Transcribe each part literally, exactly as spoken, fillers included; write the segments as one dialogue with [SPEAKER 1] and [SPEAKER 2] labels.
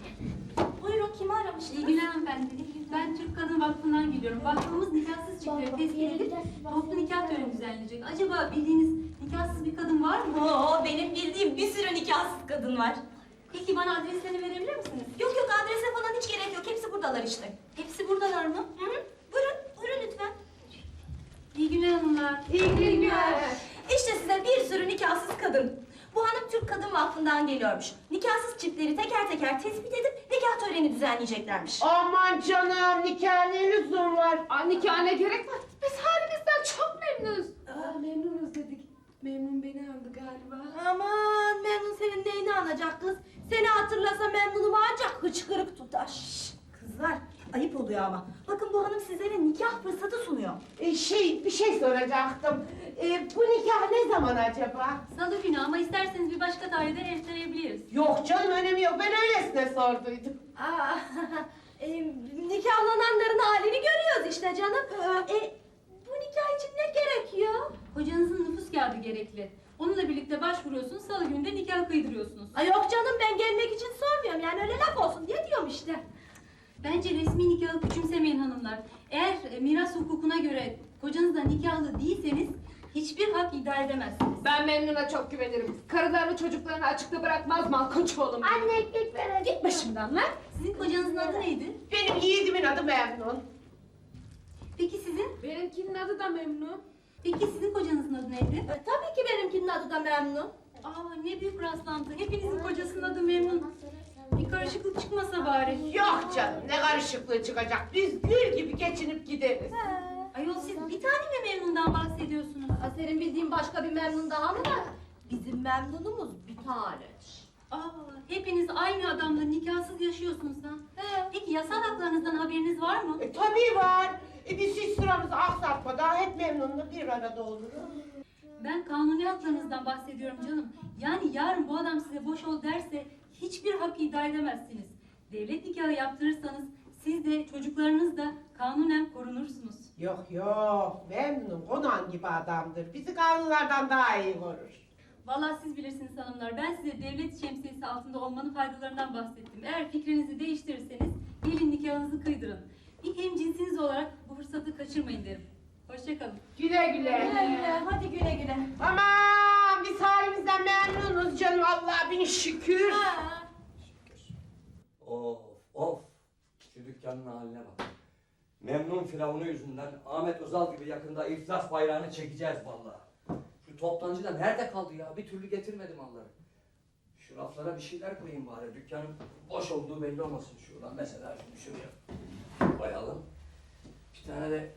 [SPEAKER 1] Buyurun, kimi aramıştınız?
[SPEAKER 2] İyi günler hanımefendi. Ben Türk Kadın Vakfı'ndan geliyorum. Vakfımız nikahsız çiftleri tespit edip toplu nikah töreni düzenleyecek. Acaba bildiğiniz nikahsız bir kadın var mı?
[SPEAKER 1] Oo, benim bildiğim bir sürü nikahsız kadın var.
[SPEAKER 2] Peki bana adreslerini verebilir misiniz?
[SPEAKER 1] Yok yok, adrese falan hiç gerek yok. Hepsi buradalar işte.
[SPEAKER 2] Hepsi buradalar mı?
[SPEAKER 1] Hı hı. Buyurun, buyurun lütfen.
[SPEAKER 2] İyi günler hanımlar.
[SPEAKER 1] İyi günler. İşte size bir sürü nikahsız kadın. Bu hanım Türk Kadın Vakfı'ndan geliyormuş. Nikahsız çiftleri teker teker tespit edip nikah töreni düzenleyeceklermiş.
[SPEAKER 3] Aman canım, nikah ne lüzum var?
[SPEAKER 4] Aa, nikah ne gerek var? Biz halimizden çok memnunuz. Aa, memnunuz dedik. Memnun beni andı galiba.
[SPEAKER 1] Aman, Memnun senin neyini anacak kız? Seni hatırlasa Memnun'um ancak hıçkırık tutar. Şşş, kızlar, ayıp oluyor ama. Bakın bu hanım sizlere nikah fırsatı sunuyor.
[SPEAKER 3] E, şey, bir şey soracaktım. E, bu nikah ne zaman acaba?
[SPEAKER 2] Salı günü ama isterseniz bir başka tarihte erteleyebiliriz.
[SPEAKER 3] Yok canım, önemi yok. Ben öylesine sorduydum.
[SPEAKER 1] Aa, e, nikahlananların halini görüyoruz işte canım. E, bu nikah için ne gerekiyor?
[SPEAKER 2] Kocanızın nüfus kağıdı gerekli. Onunla birlikte başvuruyorsunuz, salı günü de nikah kıydırıyorsunuz.
[SPEAKER 1] Ay yok canım, ben gelmek için sormuyorum, yani öyle laf olsun diye diyorum işte.
[SPEAKER 2] Bence resmi nikahı küçümsemeyin hanımlar. Eğer e, miras hukukuna göre kocanızla nikahlı değilseniz hiçbir hak iddia edemezsiniz.
[SPEAKER 4] Ben Memnun'a çok güvenirim. Karılarını çocuklarını açıkta bırakmaz Malkoç oğlum.
[SPEAKER 1] Anne ekmek ver.
[SPEAKER 4] Git başımdan lan.
[SPEAKER 2] Sizin kocanızın adı neydi?
[SPEAKER 3] Benim yiğidimin adı Memnun.
[SPEAKER 2] Peki sizin?
[SPEAKER 4] Benimkinin adı da Memnun.
[SPEAKER 2] Peki sizin kocanızın adı neydi?
[SPEAKER 1] E, tabii ki benimkinin adı da Memnun.
[SPEAKER 2] Aa, ne büyük rastlantı. Hepinizin kocasının adı Memnun. Bir karışıklık çıkmasa bari.
[SPEAKER 3] Yok canım, ne karışıklığı çıkacak. Biz gül gibi geçinip gideriz.
[SPEAKER 2] Ayol siz bir tane mi Memnun'dan bahsediyorsunuz?
[SPEAKER 1] Aa, senin bildiğin başka bir Memnun daha mı var? Bizim Memnun'umuz bir tane.
[SPEAKER 2] Aa, hepiniz aynı adamla nikahsız yaşıyorsunuz ha.
[SPEAKER 1] He.
[SPEAKER 2] Peki yasal haklarınızdan haberiniz var mı?
[SPEAKER 3] E, tabii var. E, biz hiç sıramızı aksatmadan hep Memnun'la bir arada oluruz.
[SPEAKER 2] Ben kanuni haklarınızdan bahsediyorum canım. Yani yarın bu adam size boş ol derse hiçbir hak iddia edemezsiniz. Devlet nikahı yaptırırsanız siz de çocuklarınız da kanunen korunursunuz.
[SPEAKER 3] Yok yok, Memnun konan gibi adamdır. Bizi kanunlardan daha iyi korur.
[SPEAKER 2] Vallahi siz bilirsiniz hanımlar. Ben size devlet şemsiyesi altında olmanın faydalarından bahsettim. Eğer fikrinizi değiştirirseniz gelin nikahınızı kıydırın. Bir hemcinsiniz olarak bu fırsatı kaçırmayın derim. Hoşçakalın.
[SPEAKER 3] Güle güle.
[SPEAKER 1] Güle güle, hadi güle güle.
[SPEAKER 3] Aman biz halimizden memnunuz canım, Allah'a bin şükür.
[SPEAKER 1] Ha.
[SPEAKER 5] Of of! Şu dükkanın haline bak. Memnun Firavunu yüzünden Ahmet Özal gibi yakında iflas bayrağını çekeceğiz vallahi. Şu toptancı da nerede kaldı ya? Bir türlü getirmedi malları. Şu raflara bir şeyler koyayım bari. Dükkanın boş olduğu belli olmasın şuradan. Mesela şunu şuraya koyalım. Bir tane de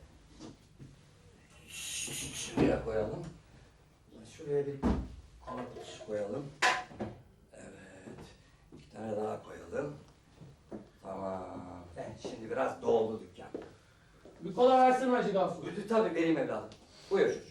[SPEAKER 5] şuraya koyalım. Şuraya bir kalıp koyalım. Evet. Bir tane daha koyalım. Tamam. Evet, şimdi biraz doldu dükkan.
[SPEAKER 6] Bir kola versene Hacı Gafur.
[SPEAKER 5] Tabii vereyim evladım. Buyur çocuğum.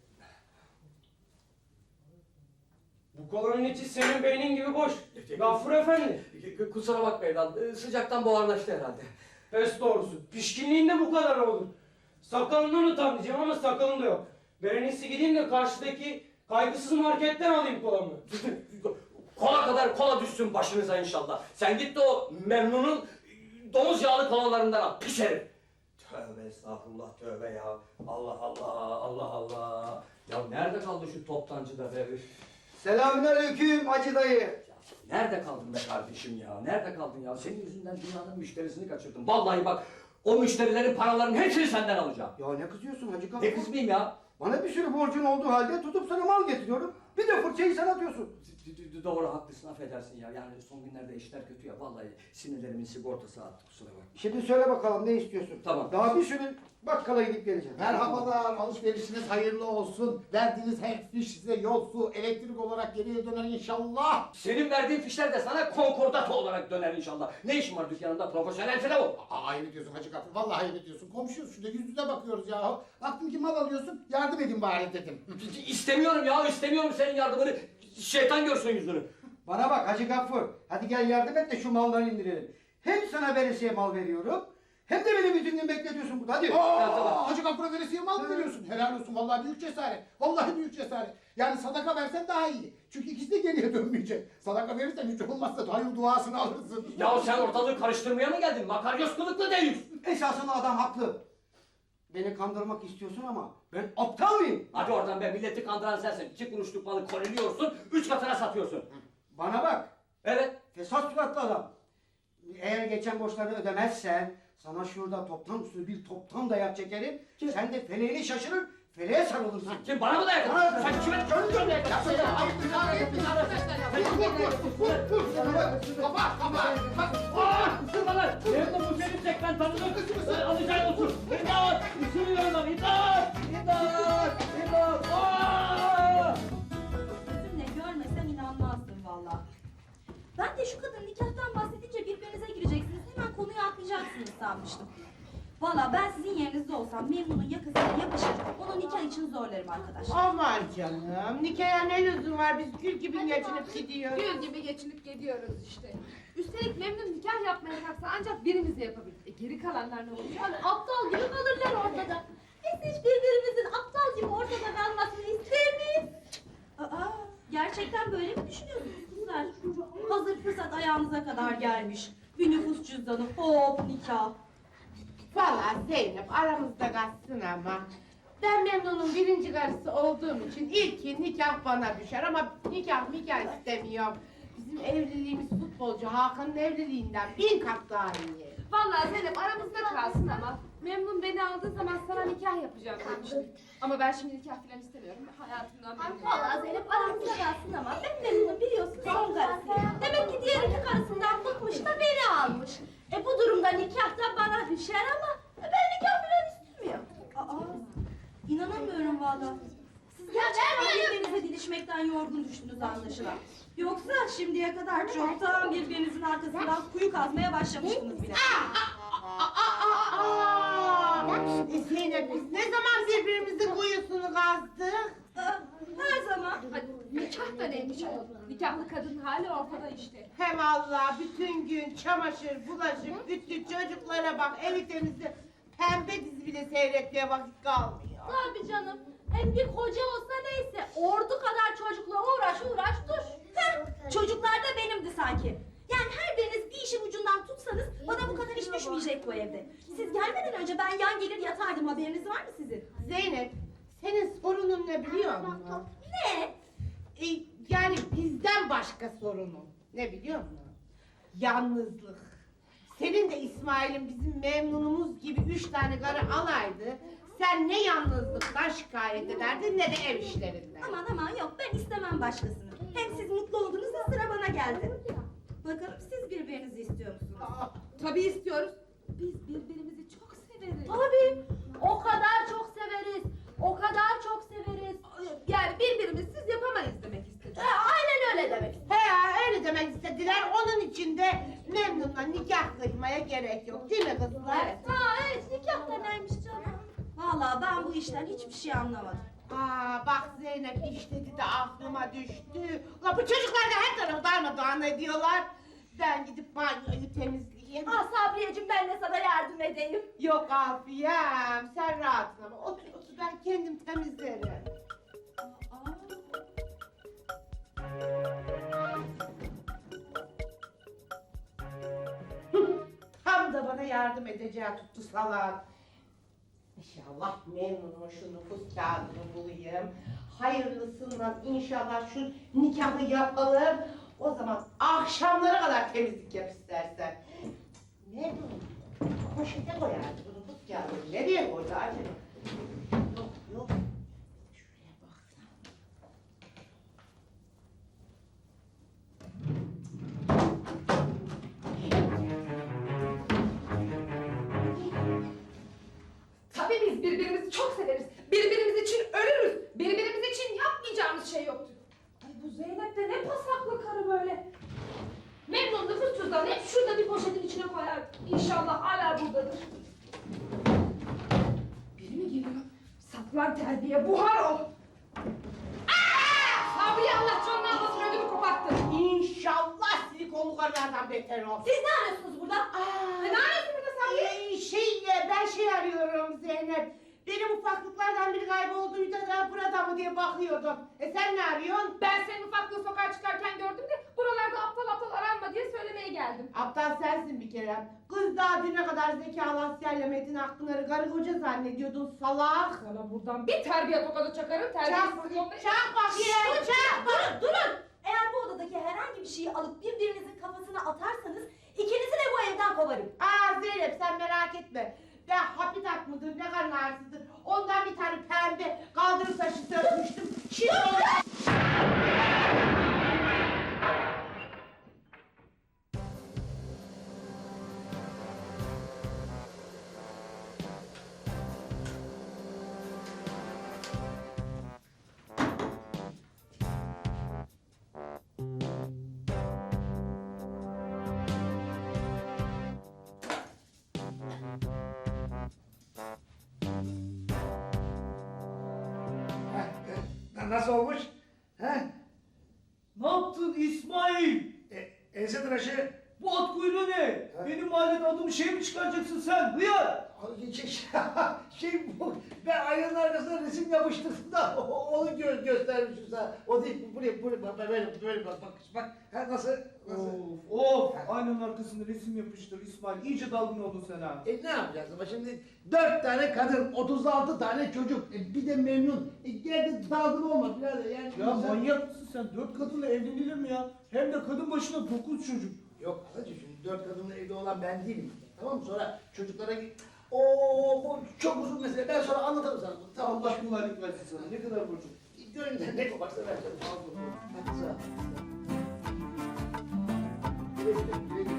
[SPEAKER 6] Bu kolanın içi senin beynin gibi boş. Gafur efendi.
[SPEAKER 5] K- Kusura bakma evladım. Ee, Sıcaktan buharlaştı herhalde.
[SPEAKER 6] Pes doğrusu. Pişkinliğinde bu kadar olur. Sakalından utan diyeceğim ama sakalın da yok. Ben en iyisi gideyim de karşıdaki kaygısız marketten alayım kolamı.
[SPEAKER 5] Kola kadar kola düşsün başınıza inşallah. Sen git de o Memnun'un domuz yağlı kolalarından al. Pis herif. Tövbe estağfurullah tövbe ya. Allah Allah Allah Allah. Ya nerede kaldı şu toptancı da be? Üf.
[SPEAKER 7] Selamünaleyküm Hacı dayı.
[SPEAKER 5] Ya nerede kaldın be kardeşim ya? Nerede kaldın ya? Senin yüzünden dünyanın müşterisini kaçırdım. Vallahi bak o müşterilerin paralarının hepsini senden alacağım.
[SPEAKER 7] Ya ne kızıyorsun Hacı Gafur?
[SPEAKER 5] Ne kızmayayım ya?
[SPEAKER 7] Bana bir sürü borcun olduğu halde tutup sana mal getiriyorum. Bir de fırçayı sen atıyorsun.
[SPEAKER 5] D- d- Doğru haklısın affedersin ya. Yani son günlerde işler kötü ya. Vallahi sinirlerimin sigortası attı kusura bakma.
[SPEAKER 7] Şimdi söyle bakalım ne istiyorsun?
[SPEAKER 5] Tamam.
[SPEAKER 7] Daha bir sürü bakkala gidip geleceğim.
[SPEAKER 8] Merhabalar, alışverişiniz hayırlı olsun. Verdiğiniz her fiş size yol, su, elektrik olarak geriye döner inşallah.
[SPEAKER 5] Senin verdiğin fişler de sana konkordato olarak döner inşallah. Ne işin var dükkanında profesyonel filan o?
[SPEAKER 8] Aa, ayıp ediyorsun Hacı Gafur, vallahi ayıp ediyorsun. Komşuyuz şurada, yüz yüze bakıyoruz ya. Baktım ki mal alıyorsun, yardım edin bari dedim.
[SPEAKER 5] İstemiyorum ya istemiyorum senin yardımını. Şeytan görsün yüzünü.
[SPEAKER 7] Bana bak Hacı Gafur. Hadi gel yardım et de şu malları indirelim. Hem sana veresiye mal veriyorum. Hem de benim yüzümden bekletiyorsun burada. Hadi.
[SPEAKER 8] Aa, Hacı Gafur'a veresiye mal mı veriyorsun? Helal olsun vallahi büyük cesaret. Vallahi büyük cesaret. Yani sadaka versen daha iyi. Çünkü ikisi de geriye dönmeyecek. Sadaka verirsen hiç olmazsa hayır duasını alırsın.
[SPEAKER 5] Ya sen ortalığı karıştırmaya mı geldin? Makaryos kılıklı değil.
[SPEAKER 7] Esasında adam haklı. Beni kandırmak istiyorsun ama ben aptal mıyım?
[SPEAKER 5] Hadi oradan be, milleti kandıran sensin. İki kuruşluk malı koleliyorsun, üç katına satıyorsun.
[SPEAKER 7] Bana bak.
[SPEAKER 5] Evet.
[SPEAKER 7] Fesat suratlı adam. Eğer geçen borçlarını ödemezsen sana şurada toptan usulü bir toptan dayak çekerim. Sen de feleğini şaşırır, feleğe sarılırsın.
[SPEAKER 5] Kim bana mı dayak?
[SPEAKER 7] Bana-
[SPEAKER 5] Sen kime?
[SPEAKER 8] Vur vur vur. Kafa kafa.
[SPEAKER 5] Aaa! Isırma lan! Nerede bu senin tek ben tanıdım? Alacağın olsun. İmdat! Isırıyorum lan! İmdat! İmdat! İmdat! Aaa!
[SPEAKER 1] Gözümle görmesem inanmazdım valla. Ben de şu kadın nikahtan bahsedince birbirinize gireceksiniz, hemen konuyu atlayacaksınız sanmıştım. Valla ben sizin yerinizde olsam Memnun'un yakasına yapışır, onu nikah için zorlarım arkadaşlar.
[SPEAKER 3] Aman canım, nikaha ne lüzum var, biz gül gibi geçinip gidiyoruz.
[SPEAKER 4] Gül gibi geçinip gidiyoruz işte. Üstelik Memnun nikah yapmaya kalksa ancak birimiz yapabilir. E, geri kalanlar ne olacak?
[SPEAKER 1] Aptal gibi kalırlar ortada. Biz hiç birbirimizin aptal gibi ortada kalmasını ister miyiz? Aa, gerçekten böyle mi düşünüyorsunuz kızlar? Hazır fırsat ayağınıza kadar gelmiş. Bir nüfus cüzdanı, hop nikah.
[SPEAKER 3] Vallahi Zeynep aramızda kalsın ama ben Memnun'un birinci karısı olduğum için ilki nikah bana düşer ama nikah nikah istemiyorum. Bizim evliliğimiz futbolcu Hakan'ın evliliğinden bin kat daha iyi.
[SPEAKER 4] Vallahi Zeynep aramızda kalsın ama Memnun beni aldığı zaman sana nikah yapacağım demişti. Ama ben şimdi nikah falan istemiyorum. Hayatımdan memnunum.
[SPEAKER 1] Valla Zeynep aramızda kalsın ama ben Memnun'u biliyorsun son karısıyım. Demek ki diğer iki karısından bıkmış da beni almış. E bu durumda nikah da bana düşer ama ben nikah falan istemiyorum. Aa, inanamıyorum valla. Siz gerçekten birbirinize didişmekten yorgun düştünüz anlaşılan. Yoksa şimdiye kadar çoktan birbirinizin arkasından kuyu kazmaya başlamıştınız bile.
[SPEAKER 3] Aa, e Zeynep biz ne zaman birbirimizin kuyusunu kazdık?
[SPEAKER 1] Aa, her zaman.
[SPEAKER 4] Hadi, nikah da neymiş ayol? Nikahlı kadın hali ortada işte.
[SPEAKER 3] Hem Allah bütün gün çamaşır, bulaşık, bütün çocuklara bak, evi temizle. Pembe dizi bile seyretmeye vakit kalmıyor.
[SPEAKER 1] Tabii canım. Hem bir koca olsa neyse, ordu kadar çocukla uğraş uğraş dur. Heh, çocuklar da benimdi sanki. Yani her biriniz bir işin ucundan tutsanız bana bu kadar iş düşmeyecek bu evde. Siz gelmeden önce ben yan gelir yatardım, haberiniz var mı sizin?
[SPEAKER 3] Zeynep, senin sorunun ne biliyor musun?
[SPEAKER 1] Ne?
[SPEAKER 3] E, yani bizden başka sorunun. Ne biliyor musun? Yalnızlık. Senin de İsmail'in bizim Memnun'umuz gibi üç tane karı alaydı. Sen ne yalnızlıktan şikayet ederdin ne de ev işlerinden.
[SPEAKER 1] Aman aman yok, ben istemem başkasını. Hem siz mutlu oldunuz da sıra bana geldi. Bakalım siz birbirinizi istiyor musunuz?
[SPEAKER 3] Aa,
[SPEAKER 4] Tabii istiyoruz. Biz birbirimizi çok severiz.
[SPEAKER 1] Tabii, o kadar çok severiz, o kadar çok severiz.
[SPEAKER 4] Yani birbirimizi yapamayız demek istedim.
[SPEAKER 1] Ha, aynen öyle demek.
[SPEAKER 3] He ya öyle demek istediler. Onun için de Memnun'la nikah kıymaya gerek yok. Değil mi kızlar?
[SPEAKER 1] Evet. Ha evet, nikah da neymiş canım? Vallahi ben bu işten hiçbir şey anlamadım.
[SPEAKER 3] Aa bak Zeynep iş dedi de aklıma düştü. Ulan bu çocuklar da her tarafı darmadağın ediyorlar. Ben gidip banyoyu temizleyeyim.
[SPEAKER 1] Ha Sabriyeciğim, ben de sana yardım edeyim.
[SPEAKER 3] Yok Afiyem sen rahatın ama otur otur ben kendim temizlerim. Tam da bana yardım edeceği tuttu salak. İnşallah Memnun'un şu nüfus kağıdını bulayım. Hayırlısından inşallah şu nikahı yapalım. O zaman akşamlara kadar temizlik yap istersen. Memnun poşete koyardı bu nüfus kağıdını. Nereye koydu acaba? Yok yok. Şuraya baksana.
[SPEAKER 4] Tabii biz birbirimizi çok severiz. Birbirimiz için ölürüz. Birbirimiz için yapmayacağımız şey yoktur. Ay bu Zeynep de ne pasaklı karı böyle. Memnun nüfus cüzdanı hep şurada bir poşetin içine koyar. İnşallah hala buradadır. Biri mi geliyor? Saklan terbiye, buhar ol. Aa! Sabriye Allah canını almasın, ödümü koparttın.
[SPEAKER 3] İnşallah silikonlu karılardan beter ol.
[SPEAKER 1] Siz ne arıyorsunuz burada?
[SPEAKER 4] Aa, ne arıyorsun burada
[SPEAKER 3] Ay şey ya, ben şey arıyorum Zeynep. Benim ufaklıklardan biri kaybolduydu da burada mı diye bakıyordum. E sen ne arıyorsun?
[SPEAKER 4] Ben senin ufaklığı sokağa çıkarken gördüm de buralarda aptal aptal aranma diye söylemeye geldim.
[SPEAKER 3] Aptal sensin bir kere. Kız daha düne kadar Zekalı Asya'yla Metin Akpınar'ı karı koca zannediyordun salak.
[SPEAKER 4] Sana buradan bir terbiye tokadı çakarım.
[SPEAKER 3] Çak,
[SPEAKER 4] Terbiyesiz yolda...
[SPEAKER 3] çak bakayım, çak.
[SPEAKER 1] Durun durun. Eğer bu odadaki herhangi bir şeyi alıp birbirinizin kafasına atarsanız ikinizi de bu evden kovarım.
[SPEAKER 3] Aa Zeynep sen merak etme. Ben hapitat mıdır, ne kadar ağrısıdır. Ondan bir tane pembe kaldırım taşı sörtmüştüm. Şimdi onu...
[SPEAKER 7] Heh, nasıl olmuş? He?
[SPEAKER 6] Ne yaptın İsmail?
[SPEAKER 7] E, ense tıraşı.
[SPEAKER 6] Bu at kuyruğu ne? Benim mahallede adımı şey mi çıkaracaksın sen? Hıyar!
[SPEAKER 7] Ay, Şey, şey bu, ben aynanın arkasına resim yapıştırdım da onu gö göstermişim sana. O değil, buraya, buraya, bak, böyle, böyle bak, bak, bak, ha, nasıl, nasıl?
[SPEAKER 6] Of of! Aynanın arkasında resim yapıştır İsmail. İyice dalgın oldun sen ha.
[SPEAKER 7] E ne yapacağız ama şimdi dört tane kadın, otuz altı tane çocuk, e, bir de memnun. E gel de dalgın olma birader yani.
[SPEAKER 6] Ya
[SPEAKER 7] insan-
[SPEAKER 6] manyak mısın sen? Dört kadınla evlenilir mi ya? Hem de kadın başına dokuz çocuk.
[SPEAKER 7] Yok anacığım şimdi dört kadınla evli olan ben değilim. Tamam mı? Sonra çocuklara git. Oo bu çok uzun mesele. Ben sonra anlatırım sana. Tamam bak.
[SPEAKER 6] Allah kolaylık versin sana. Ne kadar borcum?
[SPEAKER 7] Gönlünden ne koparsa ver canım. Al bunu. Hadi sağ ol. Güle güle, güle güle.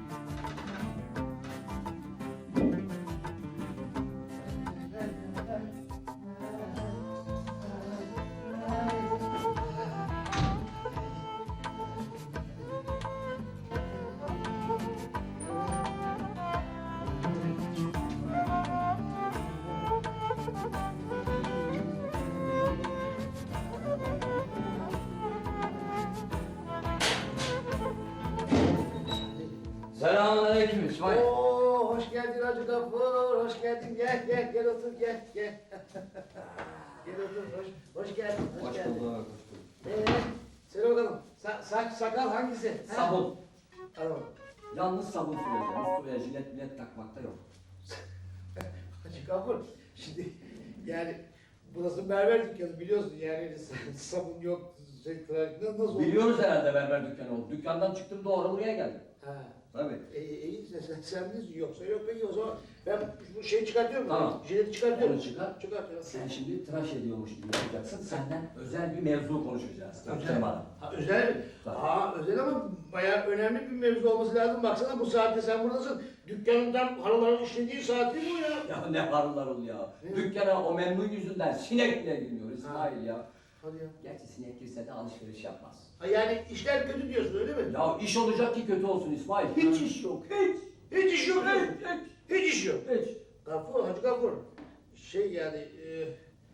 [SPEAKER 5] Selamünaleyküm İsmail.
[SPEAKER 7] Oo, hoş geldin Hacı Gafur, hoş geldin. Gel, gel, gel otur, gel, gel. Gel otur, hoş, hoş geldin, hoş,
[SPEAKER 5] Hoş
[SPEAKER 7] geldin.
[SPEAKER 5] bulduk, hoş bulduk.
[SPEAKER 7] Ee, söyle bakalım, sa saç, sakal hangisi? Ha?
[SPEAKER 5] Sabun.
[SPEAKER 7] Tamam.
[SPEAKER 5] Yalnız sabun süreceğiz. Buraya jilet bilet takmakta yok.
[SPEAKER 7] Hacı Gafur, şimdi yani burası berber dükkanı biliyorsun yani sabun yok, şey, tıraş, nasıl olur?
[SPEAKER 5] Biliyoruz herhalde berber dükkanı oldu. Dükkandan çıktım doğru buraya geldim.
[SPEAKER 7] Ha.
[SPEAKER 5] Tabii.
[SPEAKER 7] E, iyi sen, sen, sen bilirsin yoksa yok peki o zaman ben bu şeyi çıkartıyorum.
[SPEAKER 5] Tamam.
[SPEAKER 7] Jileti çıkartıyorum.
[SPEAKER 5] Onu çıkar.
[SPEAKER 7] Çıkartıyorum.
[SPEAKER 5] Sen şimdi tıraş ediyormuş gibi yapacaksın. Senden özel bir mevzu konuşacağız.
[SPEAKER 7] Özel.
[SPEAKER 5] Bana.
[SPEAKER 7] Ha, özel mi?
[SPEAKER 5] Tabii.
[SPEAKER 7] Aa özel ama bayağı önemli bir mevzu olması lazım. Baksana bu saatte sen buradasın. Dükkanın tam halıların işlediği saat değil mi o ya?
[SPEAKER 5] Ya ne harunlar ol ya.
[SPEAKER 7] Ne?
[SPEAKER 5] Dükkana o memnun yüzünden sinek bile girmiyor İsmail ya.
[SPEAKER 7] Hadi ya.
[SPEAKER 5] Gerçi sinek girse de alışveriş yapmaz.
[SPEAKER 7] Ha, yani işler kötü diyorsun öyle mi?
[SPEAKER 5] Ya iş olacak ki kötü olsun İsmail. Hiç iş yok. Hiç.
[SPEAKER 7] Hiç iş yok.
[SPEAKER 5] Hiç.
[SPEAKER 7] diyorsun.
[SPEAKER 5] Hiç.
[SPEAKER 7] Hiç iş yok.
[SPEAKER 5] Hiç.
[SPEAKER 7] Gafur, Hacı Gafur. Şey yani e,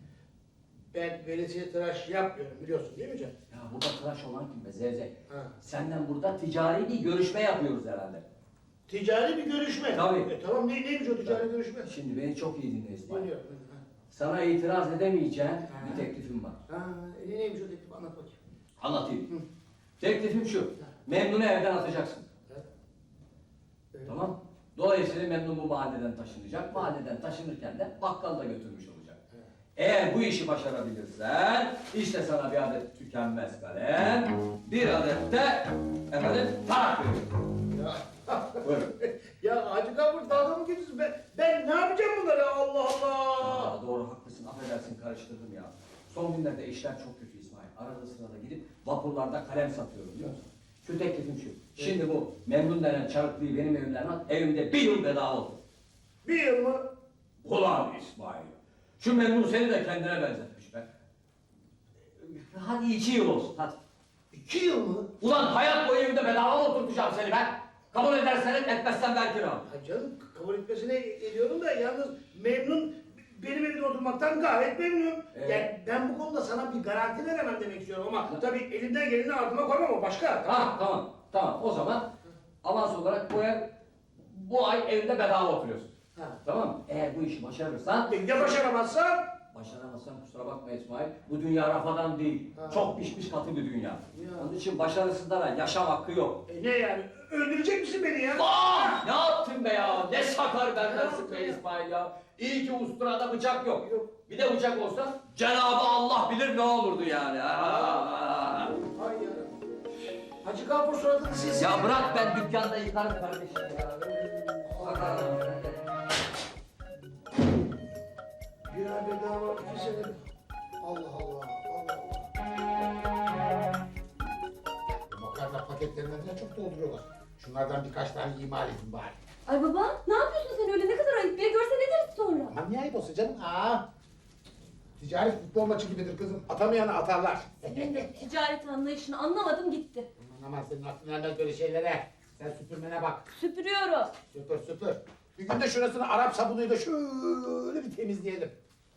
[SPEAKER 7] ben veresiye tıraş yapmıyorum biliyorsun değil mi canım?
[SPEAKER 5] Ya burada tıraş olan kim be Zevzek?
[SPEAKER 7] Ha.
[SPEAKER 5] Senden burada ticari bir görüşme yapıyoruz herhalde.
[SPEAKER 7] Ticari bir görüşme.
[SPEAKER 5] Tabii.
[SPEAKER 7] E, tamam ne, neymiş o ticari görüşme?
[SPEAKER 5] Şimdi beni çok iyi dinle İsmail.
[SPEAKER 7] Dinliyorum.
[SPEAKER 5] Sana itiraz edemeyeceğin bir teklifim var.
[SPEAKER 7] Ha, e, neymiş o teklif anlat bakayım.
[SPEAKER 5] Anlatayım.
[SPEAKER 7] Hı.
[SPEAKER 5] Teklifim şu. Memnun'u evden atacaksın.
[SPEAKER 7] Evet. Evet.
[SPEAKER 5] Tamam. Dolayısıyla Memnun bu mahalleden taşınacak. Mahalleden taşınırken de bakkal da götürmüş olacak.
[SPEAKER 7] Evet.
[SPEAKER 5] Eğer bu işi başarabilirsen işte sana bir adet tükenmez kalem, bir adet de efendim tarak veriyorum.
[SPEAKER 7] Ya.
[SPEAKER 5] Buyurun.
[SPEAKER 7] Ya Hacı Gafur dalga mı geçiyorsun? Ben, ben ne yapacağım bunları Allah Allah.
[SPEAKER 5] Aa, doğru haklısın, affedersin karıştırdım ya. Son günlerde işler çok kötü İsmail. Arada sırada gidip vapurlarda kalem satıyorum biliyor musun? Şu teklifim şu. Şimdi bu Memnun denen çarıklıyı benim evimden at, evimde bir yıl bedava olur.
[SPEAKER 7] Bir yıl mı?
[SPEAKER 5] Ulan İsmail. Şu Memnun seni de kendine benzetmiş be. Hadi iki yıl olsun hadi.
[SPEAKER 7] İki yıl mı?
[SPEAKER 5] Ulan hayat boyu evimde bedava oturtacağım seni ben. Kabul edersen et, etmezsen ver kiram.
[SPEAKER 7] Ha canım kabul etmesine ediyorum da yalnız memnun benim evde oturmaktan gayet memnun.
[SPEAKER 5] Evet.
[SPEAKER 7] Yani ben bu konuda sana bir garanti veremem demek istiyorum ama tabii elimden geleni ardıma koymam o başka.
[SPEAKER 5] Ha tamam, tamam. O zaman avans olarak bu ev bu ay evinde bedava oturuyorsun.
[SPEAKER 7] Ha.
[SPEAKER 5] Tamam mı? Eğer bu işi başarırsan,
[SPEAKER 7] Ya başaramazsam?
[SPEAKER 5] başaramazsan kusura bakma İsmail, bu dünya rafadan değil.
[SPEAKER 7] Ha.
[SPEAKER 5] Çok pişmiş katı bir dünya.
[SPEAKER 7] Ya.
[SPEAKER 5] Onun için başarısızlara yaşam hakkı yok.
[SPEAKER 7] E ne yani? Öldürecek misin beni ya?
[SPEAKER 5] Ah! Ne yaptın be ya? Ne sakar bendensin be İsmail ya. İyi ki usturada bıçak yok.
[SPEAKER 7] Yok.
[SPEAKER 5] Bir de bıçak olsa Cenab-ı Allah bilir ne olurdu yani. Aa!
[SPEAKER 7] Ay ya. Hacı Gafur suratını silsin.
[SPEAKER 5] Ya bırak ben dükkanda yıkarım kardeşim ya.
[SPEAKER 7] Bir ay bedava iki sene.
[SPEAKER 8] Allah Allah, Allah Allah. Bu makarna paketlerinden de çok dolduruyorlar. Şunlardan birkaç tane imal edin bari.
[SPEAKER 1] Ay baba ne yapıyorsun sen öyle ne kadar ayıp ya görse ne deriz sonra?
[SPEAKER 8] Aman niye ayıp olsa canım? Aa. Ticaret futbol maçı gibidir kızım. Atamayanı atarlar.
[SPEAKER 1] Senin de ticaret anlayışını anlamadım gitti.
[SPEAKER 8] Aman aman senin aklın ermez böyle şeylere. Sen süpürmene bak.
[SPEAKER 1] Süpürüyorum.
[SPEAKER 8] Süpür süpür. Bir gün de şurasını Arap sabunuyla şöyle bir temizleyelim.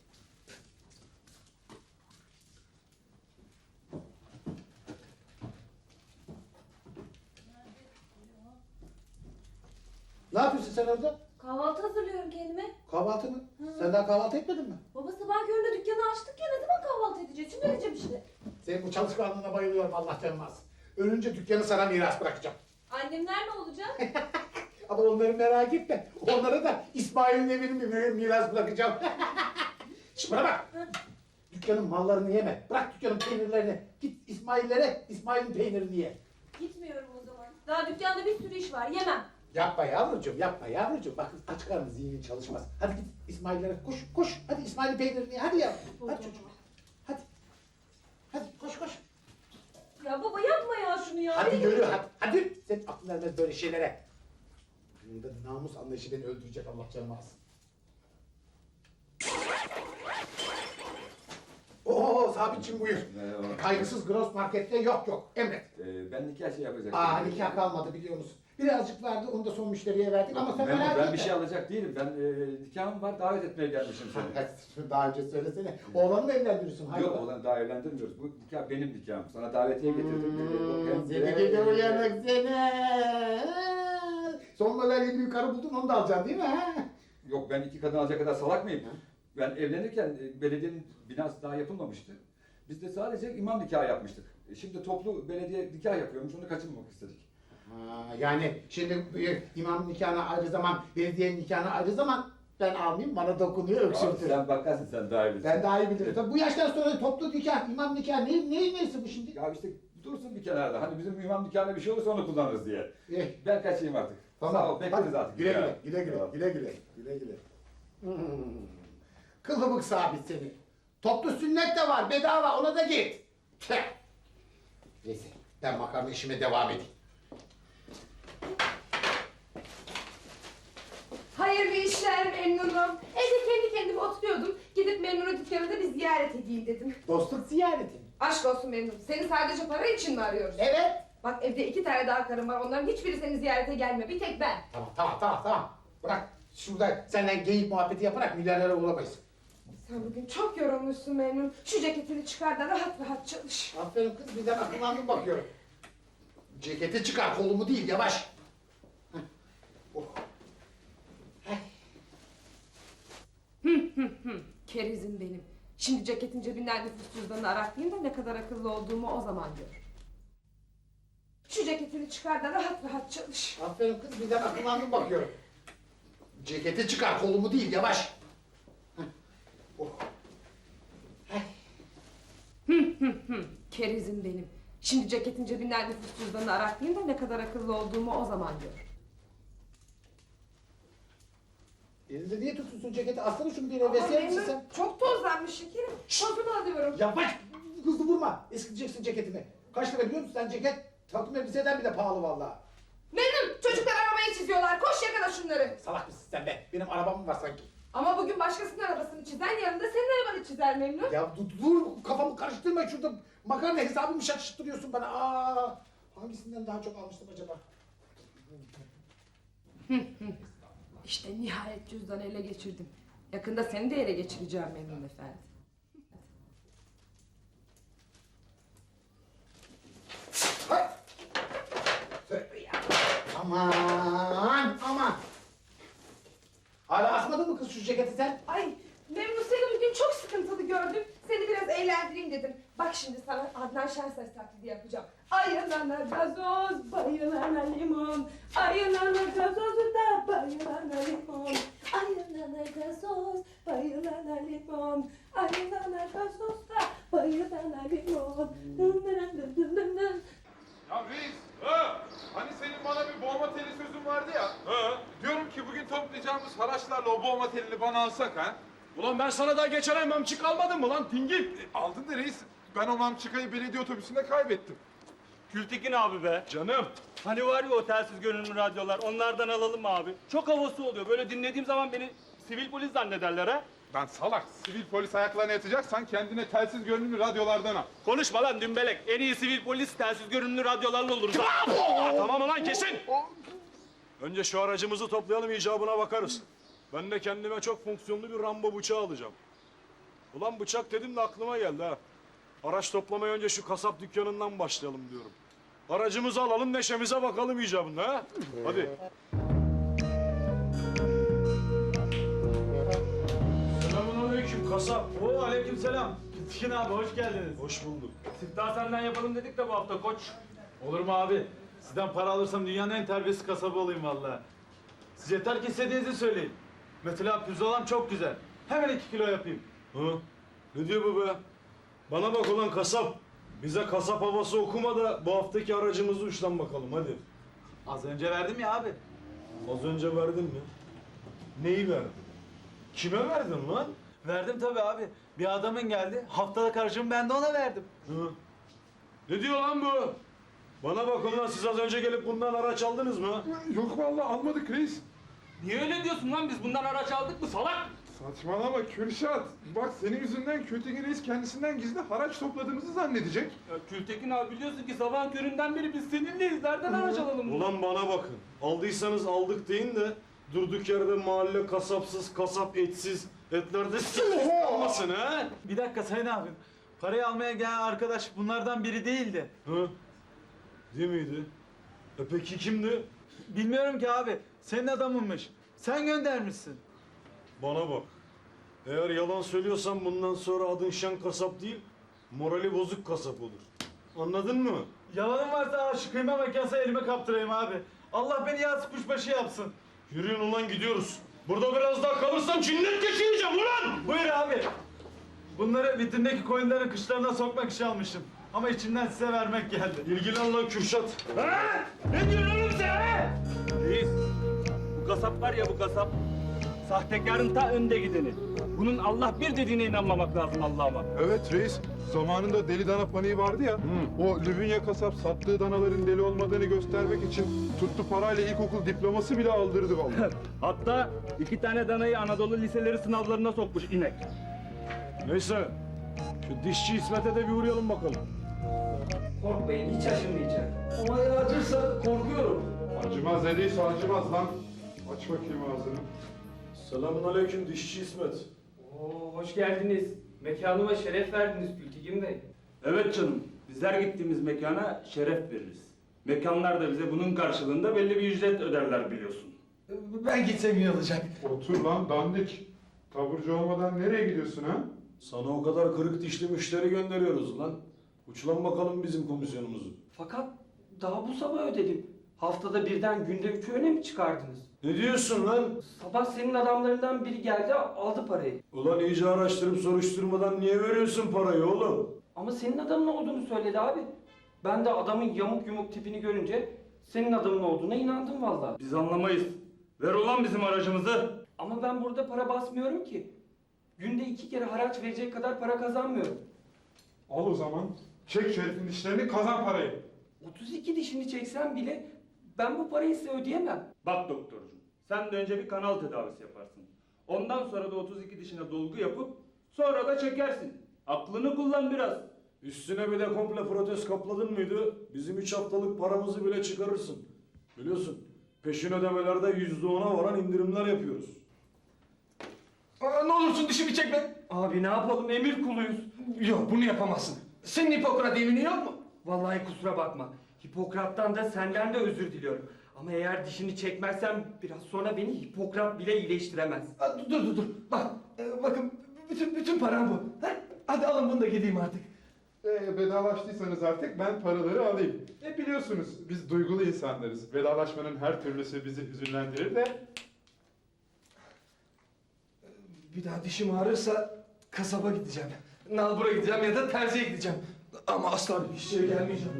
[SPEAKER 8] Ne yapıyorsun sen orada?
[SPEAKER 1] Kahvaltı hazırlıyorum kendime.
[SPEAKER 8] Kahvaltı mı? Sen daha kahvaltı etmedin mi?
[SPEAKER 1] Baba sabah köründe dükkanı açtık ya ne zaman kahvaltı edeceğiz? Şimdi edeceğim işte.
[SPEAKER 8] Senin bu çalışkanlığına bayılıyorum Allah canım alsın. Ölünce dükkanı sana miras bırakacağım.
[SPEAKER 1] Annemler ne olacak?
[SPEAKER 8] Ama onları merak etme. Onlara da İsmail'in evini mi miras bırakacağım. Şimdi bana bak. Dükkanın mallarını yeme. Bırak dükkanın peynirlerini. Git İsmail'lere İsmail'in peynirini ye.
[SPEAKER 1] Gitmiyorum o zaman. Daha dükkanda bir sürü iş var yemem.
[SPEAKER 8] Yapma yavrucuğum, yapma yavrucuğum. Bak aç karnı zihnin çalışmaz. Hadi git İsmail'lere koş, koş. Hadi İsmail'in peynirini ye. Hadi ya. Hadi çocuğum. Hadi. Hadi koş koş.
[SPEAKER 1] Ya baba yapma ya şunu ya.
[SPEAKER 8] Hadi
[SPEAKER 1] Benim-
[SPEAKER 8] yürü hadi. Hadi. Senin aklın ermez böyle şeylere. Bunda namus anlayışı beni öldürecek Allah canımı alsın. Oo Sabitçim buyur.
[SPEAKER 5] Merhaba.
[SPEAKER 8] Kaygısız gross markette yok yok. Emret.
[SPEAKER 5] Ee, ben nikah şey yapacaktım.
[SPEAKER 8] Aa nikah kalmadı biliyor musun? Birazcık vardı onu da son müşteriye verdik ama sen
[SPEAKER 5] Ben,
[SPEAKER 8] merak
[SPEAKER 5] ben
[SPEAKER 8] etme.
[SPEAKER 5] bir şey alacak değilim. Ben e, nikahım var, davet etmeye gelmişim seni.
[SPEAKER 8] Hadi şunu daha önce söylesene. Oğlanı mı evlendiriyorsun? Hayır.
[SPEAKER 5] Yok oğlan daha evlendirmiyoruz. Bu nikah benim nikahım. Sana davetiye getirdim.
[SPEAKER 8] Hmm, seni gidi uyanık seni. Son model yeni bir karı buldun onu da alacaksın değil mi? Ha?
[SPEAKER 5] Yok ben iki kadın alacak kadar salak mıyım? Ben evlenirken e, belediyenin binası daha yapılmamıştı. Biz de sadece imam nikahı yapmıştık. E, Şimdi toplu belediye nikah yapıyormuş, onu kaçırmamak istedik.
[SPEAKER 8] Ha, yani şimdi bir imam nikahına ayrı zaman, belediye nikahına ayrı zaman ben almayayım bana dokunuyor
[SPEAKER 5] Abi
[SPEAKER 8] öksürtür.
[SPEAKER 5] sen bakarsın, sen daha iyi bilirsin.
[SPEAKER 8] Ben daha iyi bilirim. Tabii bu yaştan sonra toplu nikah, imam nikah ne, ne neyse bu şimdi?
[SPEAKER 5] Ya işte dursun bir kenarda. Hani bizim imam nikahına bir şey olursa onu kullanırız diye.
[SPEAKER 8] Eh,
[SPEAKER 5] Ben kaçayım artık.
[SPEAKER 8] tamam.
[SPEAKER 5] Sağ ol, bekleriz
[SPEAKER 8] Hadi,
[SPEAKER 5] artık.
[SPEAKER 8] Güle güle,
[SPEAKER 5] Ya.
[SPEAKER 8] güle güle,
[SPEAKER 5] Tamam.
[SPEAKER 8] güle güle, güle güle. Hmm. Kılıbık sabit seni. Toplu sünnet de var, bedava ona da git. Tüh. Neyse, ben makarna işime devam edeyim.
[SPEAKER 4] Hayırlı işler memnunum. Evde kendi kendime oturuyordum. Gidip Memnun'un dükkanında bir ziyaret edeyim dedim.
[SPEAKER 8] Dostluk ziyareti.
[SPEAKER 4] Aşk olsun Memnun. Seni sadece para için mi arıyoruz?
[SPEAKER 8] Evet.
[SPEAKER 4] Bak evde iki tane daha karım var. Onların hiçbiri seni ziyarete gelmiyor. Bir tek ben.
[SPEAKER 8] Tamam, tamam, tamam, tamam. Bırak, şurada senden geyik muhabbeti yaparak milyarlara uğramayız.
[SPEAKER 4] Sen bugün çok yorulmuşsun Memnun. Şu ceketini çıkar da rahat rahat çalış.
[SPEAKER 8] Aferin kız, birden akıllandım bakıyorum. Ceketi çıkar, kolumu değil, yavaş. Heh. Oh. Heh.
[SPEAKER 4] Kerizim benim. Şimdi ceketin cebinden nüfus cüzdanını araklayayım da ne kadar akıllı olduğumu o zaman gör. Şu ceketini çıkar da rahat rahat çalış.
[SPEAKER 8] Aferin kız, birden akıllandım bakıyorum. Ceketi çıkar, kolumu değil, yavaş. Heh. Oh. Heh.
[SPEAKER 4] Kerizim benim. Şimdi ceketin cebinden nüfus cüzdanını araklayayım da ne kadar akıllı olduğumu o zaman gör.
[SPEAKER 8] Elinde niye tutuyorsun ceketi? Aslında şunu bir
[SPEAKER 4] Ama
[SPEAKER 8] hevesler misin
[SPEAKER 4] Memnun
[SPEAKER 8] sen?
[SPEAKER 4] çok tozlanmış şekerim. Tozunu alıyorum.
[SPEAKER 8] Yavaş! Hızlı vurma! Eskiteceksin ceketimi. Kaç lira biliyor musun sen ceket? Takım elbiseden bile pahalı vallahi.
[SPEAKER 4] Memnun çocuklar arabayı çiziyorlar. Koş yakala şunları.
[SPEAKER 8] Salak mısın sen be? Benim arabam mı var sanki?
[SPEAKER 4] Ama bugün başkasının arabasını çizen yarın da senin arabanı çizer Memnun.
[SPEAKER 8] Ya dur, dur kafamı karıştırma şurada. Makarna hesabımı şaşırttırıyorsun bana. Aa, hangisinden daha çok almıştım acaba?
[SPEAKER 4] İşte nihayet cüzdanı ele geçirdim. Yakında seni de ele geçireceğim Memnun efendi.
[SPEAKER 8] Hay! Tövbe ya. Aman aman. almadın mı kız şu ceketi sen?
[SPEAKER 4] Ay Memnun, seni bugün çok sıkıntılı gördüm. Seni biraz eğlendireyim dedim. Bak şimdi sana Adnan Şenses taklidi yapacağım. Ayılana gazoz, bayılana limon. Ayılana gazozu da bayılana limon. Ayılana gazoz, bayılana limon. Ayılana gazoz da bayılana limon. Dın dın dın dın dın dın.
[SPEAKER 9] Ya reis, ha? Hani senin bana bir boğma teli sözün vardı ya. Ha? Diyorum ki bugün toplayacağımız haraçlarla o boğma telini bana alsak ha?
[SPEAKER 10] Ulan ben sana daha geçen ay mamçık almadım mı lan dingil?
[SPEAKER 9] E, aldın da reis, ben o mamçıkayı belediye otobüsünde kaybettim.
[SPEAKER 10] Gültekin abi be. Canım. Hani var ya o telsiz görünümlü radyolar, onlardan alalım mı abi? Çok havası oluyor. Böyle dinlediğim zaman beni sivil polis zannederler ha.
[SPEAKER 9] Ben salak, sivil polis ayaklarına yatacaksan kendine telsiz görünümlü radyolardan al.
[SPEAKER 10] Konuşma lan dümbelek. En iyi sivil polis telsiz görünümlü radyolarla oluruz. ha. Tamam ulan kesin. Önce şu aracımızı toplayalım, icabına bakarız. Ben de kendime çok fonksiyonlu bir Rambo bıçağı alacağım. Ulan bıçak dedim de aklıma geldi ha. Araç toplamaya önce şu kasap dükkanından başlayalım diyorum. Aracımızı alalım, neşemize bakalım icabında ha. Hadi. Selamünaleyküm kasap.
[SPEAKER 11] Oo aleykümselam. Gültekin abi hoş geldiniz.
[SPEAKER 10] Hoş bulduk.
[SPEAKER 11] Siftah senden yapalım dedik de bu hafta koç. Olur mu abi? Sizden para alırsam dünyanın en terbiyesiz kasabı olayım vallahi. Siz yeter ki istediğinizi söyleyin. Mesela pirzolam çok güzel. Hemen iki kilo yapayım.
[SPEAKER 10] Hı? Ne diyor bu be? Bana bak ulan kasap. Bize kasap havası okuma da bu haftaki aracımızı uçtan bakalım hadi.
[SPEAKER 11] Az önce verdim ya abi.
[SPEAKER 10] Az önce verdin mi? Neyi verdin? Kime verdin lan?
[SPEAKER 11] Verdim tabii abi. Bir adamın geldi. Haftalık harcımı ben de ona verdim.
[SPEAKER 10] Hı? Ne diyor lan bu? Bana bak ulan siz az önce gelip bundan araç aldınız mı?
[SPEAKER 9] Yok vallahi almadık reis.
[SPEAKER 10] Niye öyle diyorsun lan? Biz bundan araç aldık mı salak?
[SPEAKER 9] Saçmalama Kürşat. Bak senin yüzünden Kötü reis kendisinden gizli haraç topladığımızı zannedecek.
[SPEAKER 10] Ya Gültekin abi biliyorsun ki sabah köründen beri biz seninleyiz. Nereden araç alalım? Ulan bana bakın. Aldıysanız aldık deyin de durduk yerde mahalle kasapsız, kasap etsiz, etlerde olmasın ha?
[SPEAKER 11] Bir dakika Sayın abi. Parayı almaya gelen arkadaş bunlardan biri değildi.
[SPEAKER 10] Hı? Değil miydi? E peki kimdi?
[SPEAKER 11] Bilmiyorum ki abi. Senin adamınmış. Sen göndermişsin.
[SPEAKER 10] Bana bak. Eğer yalan söylüyorsan bundan sonra adın şen kasap değil, morali bozuk kasap olur. Anladın mı?
[SPEAKER 11] Yalanım varsa şu kıyma makinesi elime kaptırayım abi. Allah beni yaz kuşbaşı yapsın.
[SPEAKER 10] Yürüyün ulan gidiyoruz. Burada biraz daha kalırsam cinnet geçireceğim ulan!
[SPEAKER 11] Buyur abi. Bunları vitrindeki koyunların kışlarına sokmak için almışım. Ama içimden size vermek geldi.
[SPEAKER 10] İlgilen lan Kürşat.
[SPEAKER 11] Ha? Ne diyorsun oğlum sen ha?
[SPEAKER 10] Reis, bu kasap var ya bu kasap. Sahtekarın ta önde gideni. Bunun Allah bir dediğine inanmamak lazım Allah'ıma.
[SPEAKER 9] Evet reis. Zamanında deli dana paniği vardı ya. O Lübünya kasap sattığı danaların deli olmadığını göstermek için tuttu parayla ilkokul diploması bile aldırdı vallahi.
[SPEAKER 10] Hatta iki tane danayı Anadolu liseleri sınavlarına sokmuş inek. Neyse, şu dişçi İsmet'e de bir uğrayalım bakalım.
[SPEAKER 6] Korkmayın, hiç acımayacak. Ama eğer acırsa korkuyorum.
[SPEAKER 9] Acımaz dediyse acımaz lan. Aç bakayım ağzını.
[SPEAKER 10] Selamünaleyküm dişçi İsmet.
[SPEAKER 6] Oo, hoş geldiniz. Mekanıma şeref verdiniz Gültekin Bey.
[SPEAKER 12] Evet canım, bizler gittiğimiz mekana şeref veririz. Mekanlar da bize bunun karşılığında belli bir ücret öderler biliyorsun.
[SPEAKER 6] Ben gitsem iyi olacak.
[SPEAKER 9] Otur lan dandik. Taburcu olmadan nereye gidiyorsun ha?
[SPEAKER 10] Sana o kadar kırık dişli müşteri gönderiyoruz lan. Uçlan bakalım bizim komisyonumuzu.
[SPEAKER 6] Fakat daha bu sabah ödedim. Haftada birden günde üç öğüne mi çıkardınız?
[SPEAKER 10] Ne diyorsun lan?
[SPEAKER 6] Sabah senin adamlarından biri geldi aldı parayı.
[SPEAKER 10] Ulan iyice araştırıp soruşturmadan niye veriyorsun parayı oğlum?
[SPEAKER 6] Ama senin adamın olduğunu söyledi abi. Ben de adamın yamuk yumuk tipini görünce senin adamın olduğuna inandım vallahi.
[SPEAKER 12] Biz anlamayız. Ver ulan bizim aracımızı.
[SPEAKER 6] Ama ben burada para basmıyorum ki. Günde iki kere haraç verecek kadar para kazanmıyorum.
[SPEAKER 9] Al o zaman. Çek şerifin dişlerini kazan parayı.
[SPEAKER 6] otuz iki dişini çeksem bile ben bu parayı size ödeyemem.
[SPEAKER 12] Bak doktorcuğum, sen de önce bir kanal tedavisi yaparsın. Ondan sonra da otuz iki dişine dolgu yapıp sonra da çekersin. Aklını kullan biraz.
[SPEAKER 10] Üstüne bir de komple protez kapladın mıydı? Bizim üç haftalık paramızı bile çıkarırsın. Biliyorsun peşin ödemelerde yüzde ona varan indirimler yapıyoruz.
[SPEAKER 6] Aa, ne olursun dişimi çekme. Abi ne yapalım emir kuluyuz. Yok bunu yapamazsın. Senin Hipokrat yemini yok mu? Vallahi kusura bakma. Hipokrat'tan da senden de özür diliyorum.
[SPEAKER 13] Ama eğer dişini çekmezsem biraz sonra beni Hipokrat bile iyileştiremez. Aa, dur dur dur. Bak e, bakın bütün bütün param bu. Ha? Hadi alın bunu da gideyim artık.
[SPEAKER 9] Ee, vedalaştıysanız artık ben paraları alayım. E biliyorsunuz biz duygulu insanlarız. Vedalaşmanın her türlüsü bizi hüzünlendirir de.
[SPEAKER 13] Bir daha dişim ağrırsa kasaba gideceğim. Nalbur'a gideceğim ya da terziye gideceğim. Ama asla bir işçiye gelmeyeceğim.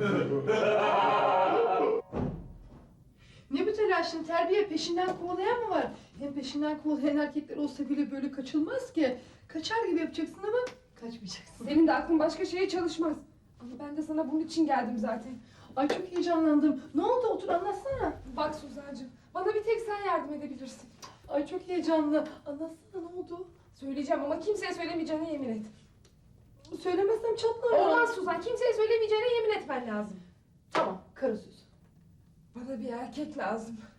[SPEAKER 4] Ne bu telaşın? Terbiye peşinden kovalayan mı var? Hem peşinden kovalayan erkekler olsa bile böyle kaçılmaz ki. Kaçar gibi yapacaksın ama kaçmayacaksın.
[SPEAKER 14] Senin de aklın başka şeye çalışmaz. Ama ben de sana bunun için geldim zaten.
[SPEAKER 4] Ay çok heyecanlandım. Ne oldu? Otur anlatsana.
[SPEAKER 14] Bak Suzancığım, bana bir tek sen yardım edebilirsin.
[SPEAKER 4] Ay çok heyecanlı. Anlatsana ne oldu?
[SPEAKER 14] Söyleyeceğim ama kimseye söylemeyeceğine yemin et.
[SPEAKER 4] Söylemezsem çatlarım.
[SPEAKER 14] Olmaz Suzan, kimseye söylemeyeceğine yemin etmen lazım.
[SPEAKER 4] Tamam, karı sözü.
[SPEAKER 14] Bana bir erkek lazım.